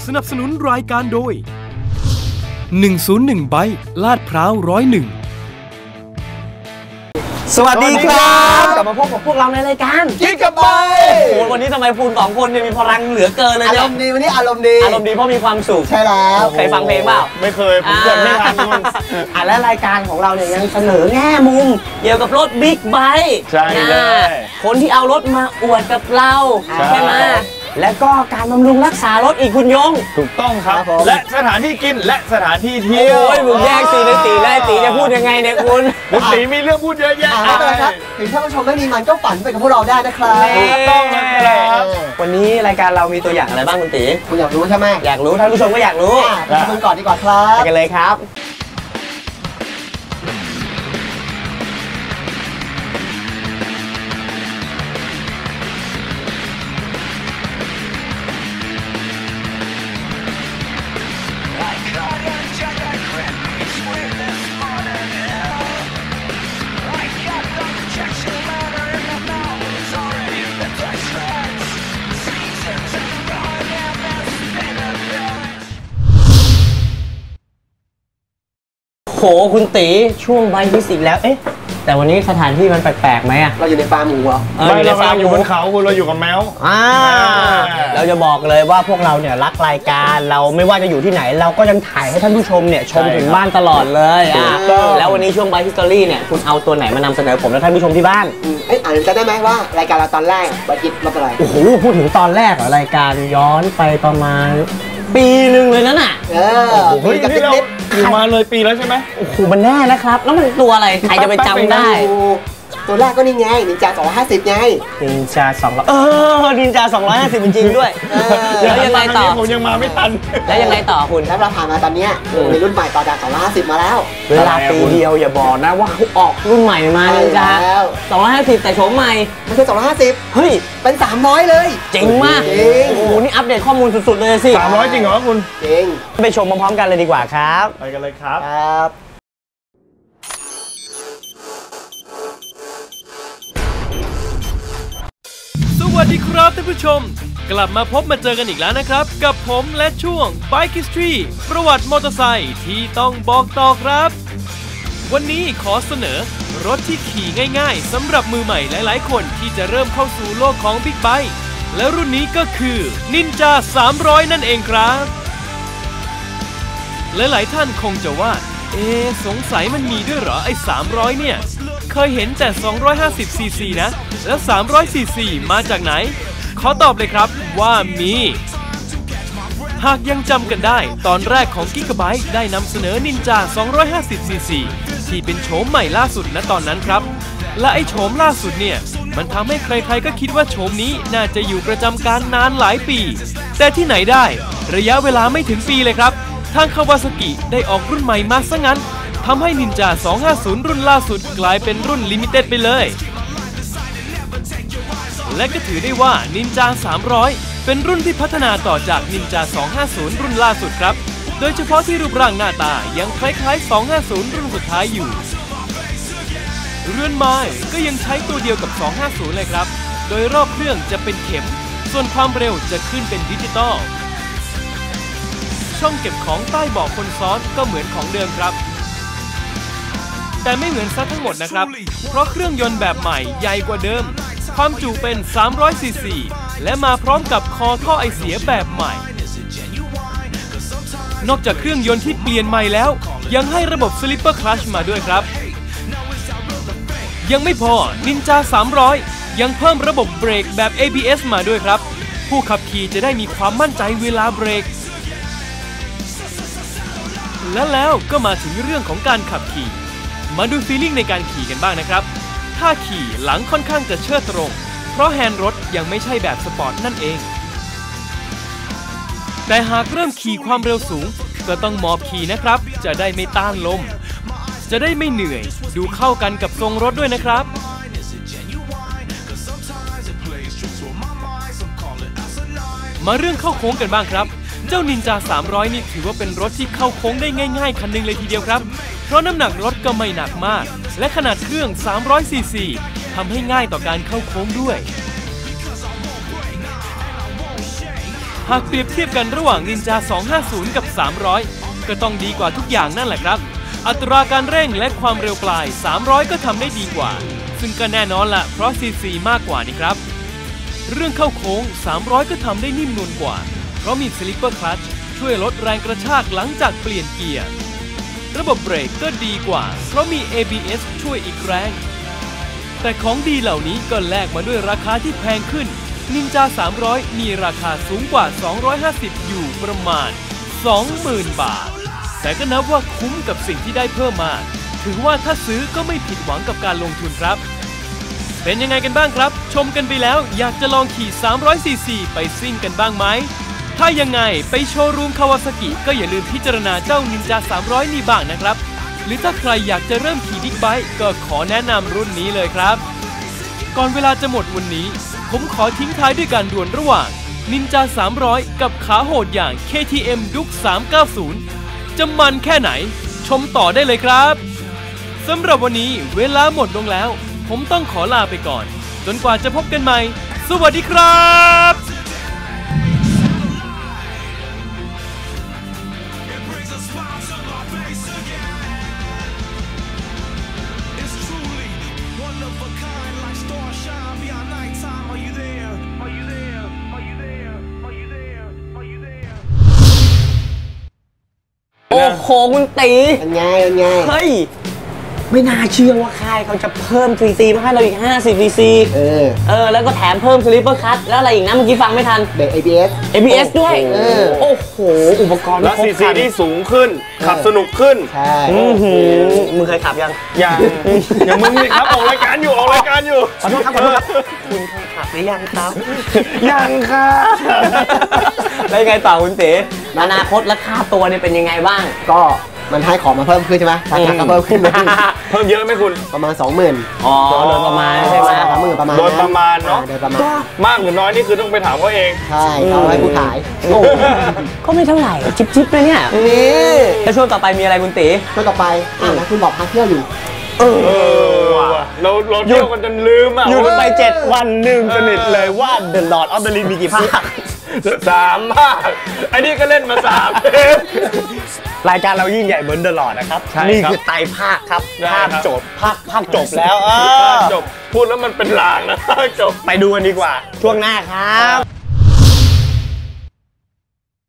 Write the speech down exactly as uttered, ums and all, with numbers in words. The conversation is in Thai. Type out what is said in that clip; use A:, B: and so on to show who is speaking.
A: สนับสนุนรายการโดยหนึ่งศูนย์หนึ่งไบค์ลาดพร้าวหนึ่งศูนย์หนึ่ง
B: สวัสดีครับกลับมาพบกับพวกเราในรายการกิ๊กกับไบค์โอ้วันนี้ทำไมคุณสองคนเนี่ยมีพลังเหลือเกินเลยเนี่ยอารมณ์ดีวันนี้อารมณ์ดีอารมณ์ดีเพราะมีความสุขใช่แล้วเคยฟังเพลงเปล่าไม่เคยผมเกิดไม่ทันคุณอ่ะและรายการของเราเนี่ยยังเสนอแง่มุมเกี่ยวกับรถบิ๊กไบค์ใช่เลยคนที่เอารถมาอวดกับเราใช่ไหมและก็การบำรุงรักษารถอีกคุณยงถูกต้องครับและสถานที่กินและสถานที่เที่ยวโอ้ยมึงแยกสีในตีและตีจะพูดยังไงเนี่ยคุณตีมีเรื่องพูดเยอะแยะครับถึงท่านผู้ชมไม่มีมันก็ฝันไปกับพวกเราได้นะครับถูกต้องนะครับวันนี้รายการเรามีตัวอย่างอะไรบ้างคุณตีคุณอยากรู้ใช่ไหมอยากรู้ท่านผู้ชมก็อยากรู้ไปชมก่อนดีกว่าครับไปกันเลยครับโหคุณตีช่วงใบพิสิกแล้วเอ๊ะแต่วันนี้สถานที่มันแปลกๆไหมอะเราอยู่ในฟาร์มหมูเหรอไม่เราอยู่บนเขาคุณเราอยู่กับแมวอ่าเราจะบอกเลยว่าพวกเราเนี่ยรักรายการเราไม่ว่าจะอยู่ที่ไหนเราก็ยังถ่ายให้ท่านผู้ชมเนี่ยชมถึงบ้านตลอดเลยอ่ะแล้ววันนี้ช่วงใบฮิสตอรี่เนี่ยคุณเอาตัวไหนมานำเสนอผมและท่านผู้ชมที่บ้านเอ๊ะอ่านจะได้ไหมว่ารายการเราตอนแรกใบคิดรถอะไรโอ้โหพูดถึงตอนแรกเหรอรายการย้อนไปประมาณปีหนึ่งเลยนั่นน่ะเออเฮ้ยนี่เราอยู่มาเลยปีแล้วใช่ไหมโอ้โหมันแน่นะครับแล้วมันตัวอะไรใครจะไปจำได้ตัวแรกก็นี่ไงนินจาสองร้อยห้าสิบไงนินจาสองร้อยเออนินจาสองร้อยห้าสิบจริงๆด้วยแล้วยังไงต่อผมยังมาไม่ทันแล้วยังไงต่อคุณถ้าเราผ่านมาตอนนี้มีรุ่นใหม่ต่อจากสองร้อยห้าสิบมาแล้วเวลาปีเดียวอย่าบอกนะว่าเขาออกรุ่นใหม่มานินจาสองร้อยห้าสิบแต่โฉมใหม่ไม่ใช่สองร้อยห้าสิบเฮ้ยเป็นสามร้อยเลยเจ๋งมากโอ้โหนี่อัปเดตข้อมูลสุดๆเลยสิสามร้อยจริงเหรอคุณจริงไปชมพร้อมๆกันเลยดีกว่าครับไปกันเลยครับครับ
A: สวัสดีครับท่านผู้ชมกลับมาพบมาเจอกันอีกแล้วนะครับกับผมและช่วง Bike History ประวัติมอเตอร์ไซค์ที่ต้องบอกต่อครับวันนี้ขอเสนอรถที่ขี่ง่ายๆสำหรับมือใหม่หลายๆคนที่จะเริ่มเข้าสู่โลกของบิ๊กไบค์และรุ่นนี้ก็คือ Ninja สามร้อยนั่นเองครับหลายๆท่านคงจะว่าเอ๊ะสงสัยมันมีด้วยเหรอไอ้สามร้อยเนี่ยเคยเห็นแต่สองร้อยห้าสิบซีซีนะแล้วสามร้อยซีซีมาจากไหนขอตอบเลยครับว่ามีหากยังจำกันได้ตอนแรกของ Gigabyte ได้นำเสนอ Ninja สองร้อยห้าสิบซีซีที่เป็นโฉมใหม่ล่าสุดณตอนนั้นครับและไอ้โฉมล่าสุดเนี่ยมันทำให้ใครๆก็คิดว่าโฉมนี้น่าจะอยู่ประจำการนานหลายปีแต่ที่ไหนได้ระยะเวลาไม่ถึงปีเลยครับทางคาวาซากิได้ออกรุ่นใหม่มาซะงั้นทำให้ Ninja สองห้าศูนย์รุ่นล่าสุดกลายเป็นรุ่นลิมิเต็ดไปเลยและก็ถือได้ว่า Ninja สามร้อยเป็นรุ่นที่พัฒนาต่อจาก Ninja สองห้าศูนย์รุ่นล่าสุดครับโดยเฉพาะที่รูปร่างหน้าตายังคล้ายๆสองห้าศูนย์รุ่นสุดท้ายอยู่เรือนไม้ก็ยังใช้ตัวเดียวกับสองห้าศูนย์เลยครับโดยรอบเครื่องจะเป็นเข็มส่วนความเร็วจะขึ้นเป็นดิจิตอลช่องเก็บของใต้เบาะคนซ้อนก็เหมือนของเดิมครับแต่ไม่เหมือนซะทั้งหมดนะครับเพราะเครื่องยนต์แบบใหม่ใหญ่กว่าเดิมความจุเป็นสามร้อยซีซีและมาพร้อมกับคอท่อไอเสียแบบใหม่นอกจากเครื่องยนต์ที่เปลี่ยนใหม่แล้วยังให้ระบบ Slipper Clutch มาด้วยครับยังไม่พอ Ninja สามร้อยยังเพิ่มระบบเบรกแบบ เอ บี เอส มาด้วยครับผู้ขับขี่จะได้มีความมั่นใจเวลาเบรกและแล้วก็มาถึงเรื่องของการขับขี่มาดูฟีลลิ่งในการขี่กันบ้างนะครับถ้าขี่หลังค่อนข้างจะเชิดตรงเพราะแฮนด์รถยังไม่ใช่แบบสปอร์ตนั่นเองแต่หากเริ่มขี่ความเร็วสูงก็ต้องหมอบขี่นะครับจะได้ไม่ต้านลมจะได้ไม่เหนื่อยดูเข้ากันกับทรงรถด้วยนะครับมาเรื่องเข้าโค้งกันบ้างครับเจ้า Ninja สามร้อยนี่ถือว่าเป็นรถที่เข้าโค้งได้ง่ายๆคันหนึ่งเลยทีเดียวครับเพราะน้ำหนักรถก็ไม่หนักมากและขนาดเครื่องสามร้อยซีซีทำให้ง่ายต่อการเข้าโค้งด้วยหากเปรียบเทียบกันระหว่าง Ninja สองห้าศูนย์ กับ สามร้อย ก็ต้องดีกว่าทุกอย่างนั่นแหละครับอัตราการเร่งและความเร็วปลาย สามร้อย ก็ทำได้ดีกว่าซึ่งก็แน่นอนละเพราะ ซี ซี มากกว่านี่ครับเรื่องเข้าโค้ง สามร้อย ก็ทำได้นิ่มนวลกว่าเพราะมี Slipper Clutch ช่วยลดแรงกระชากหลังจากเปลี่ยนเกียร์ระบบเบรกก็ดีกว่าเพราะมี เอ บี เอส ช่วยอีกแรงแต่ของดีเหล่านี้ก็แลกมาด้วยราคาที่แพงขึ้น Ninja สามร้อย มีราคาสูงกว่า สองร้อยห้าสิบ อยู่ประมาณ สองหมื่น บาทแต่ก็นับว่าคุ้มกับสิ่งที่ได้เพิ่มมาถือว่าถ้าซื้อก็ไม่ผิดหวังกับการลงทุนครับเป็นยังไงกันบ้างครับชมกันไปแล้วอยากจะลองขี่ สามร้อย ซี ซี ไปซิ่งกันบ้างไหมถ้ายังไงไปโชว์รูมคาวาซากิก็อย่าลืมพิจารณาเจ้า Ninja สามร้อย นี่บ้างนะครับหรือถ้าใครอยากจะเริ่มขี่บิ๊กไบค์ก็ขอแนะนำรุ่นนี้เลยครับก่อนเวลาจะหมดวันนี้ผมขอทิ้งท้ายด้วยการดวลระหว่าง Ninja สามร้อย กับขาโหดอย่าง เค ที เอ็ม Duke สามเก้าศูนย์ จะมันแค่ไหนชมต่อได้เลยครับสำหรับวันนี้เวลาหมดลงแล้วผมต้องขอลาไปก่อนจนกว่าจะพบกันใหม่สวัสดีครับ
B: โอ้โหคุณตีเป็นไงเป็นไงเฮ้ยไม่น่าเชื่อว่าค่ายเขาจะเพิ่ม ซี ซี มาให้เราอีกห้าสิบ ซี ซี เออเออแล้วก็แถมเพิ่ม Slipper Clutch แล้วอะไรอีกนะเมื่อกี้ฟังไม่ทันเบรก เอ บี เอส เอ บี เอส ด้วยเออโอ้โหอุปกรณ์
C: แล้ว ซี ซี ที่สูงขึ้นขับสนุกขึ้น
B: ใช่มึงเคยขับยัง
C: ยังอย่างมึงนี่ครับออกรายการอยู่ออกรายการอยู่
B: ขอโทษครับขอโทษครับคุณเคยขับหรือยังครับ
C: ยังค่ะ
B: แล้วยังไงต่อคุณเต๋อนาคตและค่าตัวเนี่ยเป็นยังไงบ้างก็มันให้ของมาเพิ่มขึ้นใช่ไหมราคาก็เพิ่มขึ้น
C: เพิ่มเยอะไหมคุณ
B: ประมาณ สองหมื่น อ๋อโดยประมาณใช่ไหมสองหมื่นประมาณ
C: โดยประมาณเนาะ
B: โดยประมาณ
C: มากหรือน้อยนี่คือต้องไปถามเขาเอง
B: ใช่เขาให้ผู้ขายก็ไม่เท่าไหร่ชิปๆเลยเนี่ยนี่แล้วช่วงต่อไปมีอะไรคุณตีช่วงต่อไปอ่านะคุณบอกพาเที่ยวอยู่
C: เออเราเราเที่ยวกันจนลืมอ่ะ
B: หยุดไปเจ็ดวันลืมสนิทเลยว่า The Lord of the Rings มีกี่ภาค
C: สามภาคไอ้นี่ก็เล่นมาสามเทป
B: รายการเรายิ่งใหญ่เหมือน The Lord นะครับนี่คือไตรภาคครับภาคจบภาคภาคจบแล้ว
C: จบพูดแล้วมันเป็นลางนะจบ
B: ไปดูกันดีกว่าช่วงหน้าครับ